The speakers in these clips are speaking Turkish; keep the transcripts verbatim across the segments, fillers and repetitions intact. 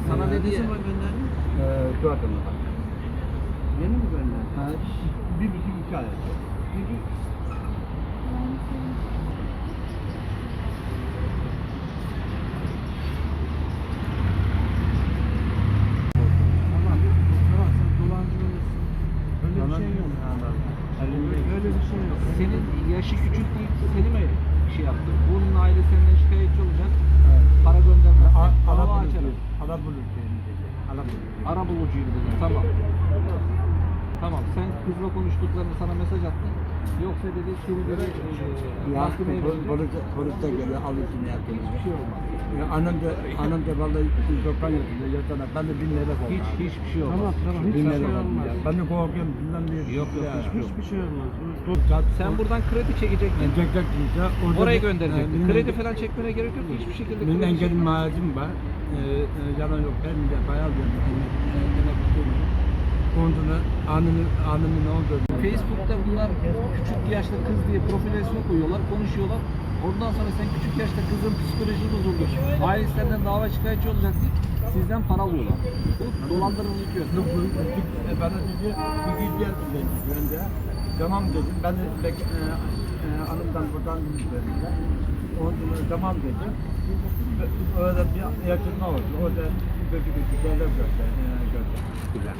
Sana Ee, ne ne diye? zaman gönderdin? Ee, şu adamı bak. Yeni mi gönderdin? Ha, bir buçuk iki ay. Peki tamam. Tamam sen dolandırılmışsın. Öyle bir şey yok. Öyle, öyle bir şey yok. Senin yaşı küçük değil, seni mi şey yaptı? Bunun aile senden şikayetçi olacak. Evet. Para göndermez. A- Dava Arap açarım. bulucu. Arap bulucu dedi. Arap bulucu. Ara bulucuyum dedi. Tamam. Tamam. Sen kızla konuştuklarını sana mesaj attın. Yoksa dedi seni dedi e, Ya mahkemeye polis, verecek. polis, polis de geldi alırsın yaptığını. Hiçbir şey olmaz. Ya annem de annem de vallahi yüz doksan yaşında yatana ben de bin lira korktum. Hiç hiçbir şey olmaz. Tamam tamam. Bin Hiçbir lira şey korktum olmaz. ya. Ben de korkuyorum bilmem diye. Yok, yok, Ya, hiçbir Hiçbir şey olmaz. Sen buradan kredi çekecektin. Ben çekecektim işte. Orada Oraya bir- gönderecektin. e, benim- Kredi falan çekmene gerek yok. Hiçbir şekilde Benim kredi engelim çekme. maaşım var. Ee, e, yalan yok. Ben de bayağı bir Ondan anını anını ne oldu? Facebook'ta bunlar küçük yaşta kız diye profil resmi koyuyorlar, konuşuyorlar. Ondan sonra sen küçük yaşta kızın psikolojisi bozuldu. Ailesi senden dava şikayetçi olacak diye sizden para alıyorlar. Bu dolandırıcılık yok. Yok, bu- bu- e, bana dedi, bir gideceğiz dedi. Ben de tamam dedim. Ben de bek, e, e, hanımdan buradan dediler. Ondan sonra tamam dedim. Öyle bir yakınma oldu. Orada kötü kötü şeyler göster, e, gösterdiler.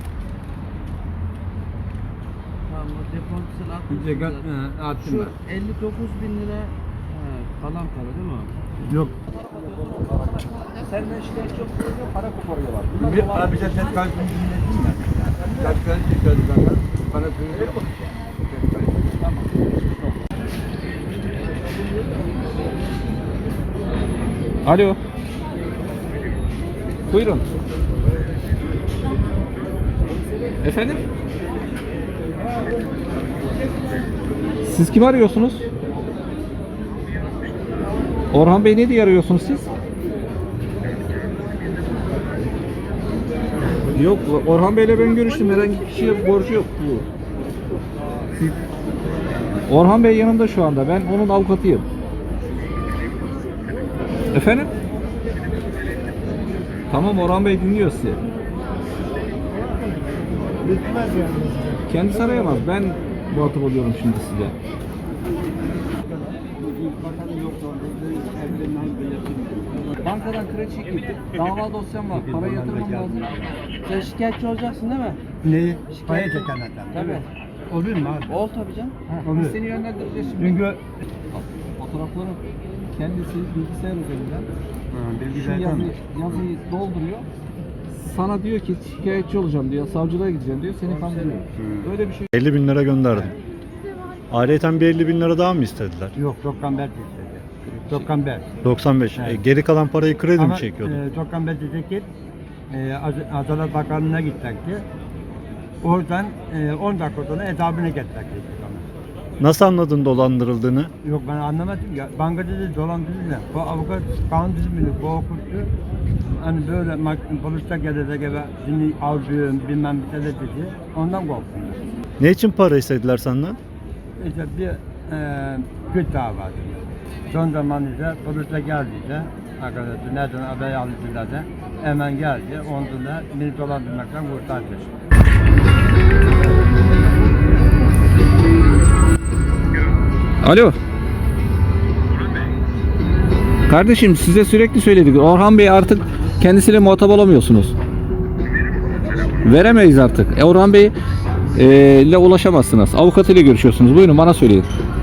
Tamam o depontasını Bir de gö- atmışsın. e, attım Şu ben. elli dokuz bin lira he, kalan para değil mi? Yok. Senden şikayetçi olunca para koparıyorlar. Bunlar Bir dolandırıcı. abi de ses kaydını dinledin mi? Ses kaydını söylediler. Bana söyledi. Tamam. Alo. Buyurun. Efendim? Siz kimi arıyorsunuz? Orhan Bey ne diye arıyorsunuz siz? Yok, Orhan Bey'le ben görüştüm. Herhangi bir kişiye borcu yok. Siz... Orhan Bey yanımda şu anda. Ben onun avukatıyım. Efendim? Tamam, Orhan Bey dinliyor sizi. Bitmez yani. Kendisi arayamaz. Ben muhatap oluyorum şimdi size. Bankadan kredi çekildi. Dava dosyam var. Para yatırmam lazım. Sen şikayetçi olacaksın değil mi? Neyi? Paya çekenlerden. Tabii. Olur mu abi? Ol tabii canım. Ha, Olur. biz seni yönlendireceğiz şimdi. Çünkü Fotoğrafları kendisi bilgisayar üzerinden şu bilgisayardan yazıyı, yazıyı dolduruyor. Sana diyor ki şikayetçi olacağım diyor. Savcılığa gideceğim diyor. Seni kandırıyor. Öyle bir şey. elli bin lira gönderdim. Ayrıca bir elli bin lira daha mı istediler? yok doksan beş istedi. doksan beş. doksan beş. Evet. E, geri kalan parayı kredi mi Ama çekiyordun? e, doksan beş çekip e, Az- Adalet Bakanlığı'na gidecekti. Oradan e, on dakika sonra hesabını getirecekti bana. Nasıl anladın dolandırıldığını? Yok ben anlamadım ya. Banka dedi dolandırıcı. Bu avukat kanun düzümünü bu okuttu. Hani böyle mak- poliste gelecek eve seni avcıyım bilmem bir şey dedi. Ondan korktum. Ne için para istediler senden? İşte bir e, güç davası. Son zaman ise polise geldiyse arkadaşlar nereden haber aldılar da hemen geldi. Ondan da beni dolandırmaktan kurtardı. Alo. Kardeşim size sürekli söyledik. Orhan Bey artık kendisiyle muhatap olamıyorsunuz. Veremeyiz artık. E, Orhan Bey e, ile ulaşamazsınız. Avukatıyla görüşüyorsunuz. Buyurun bana söyleyin.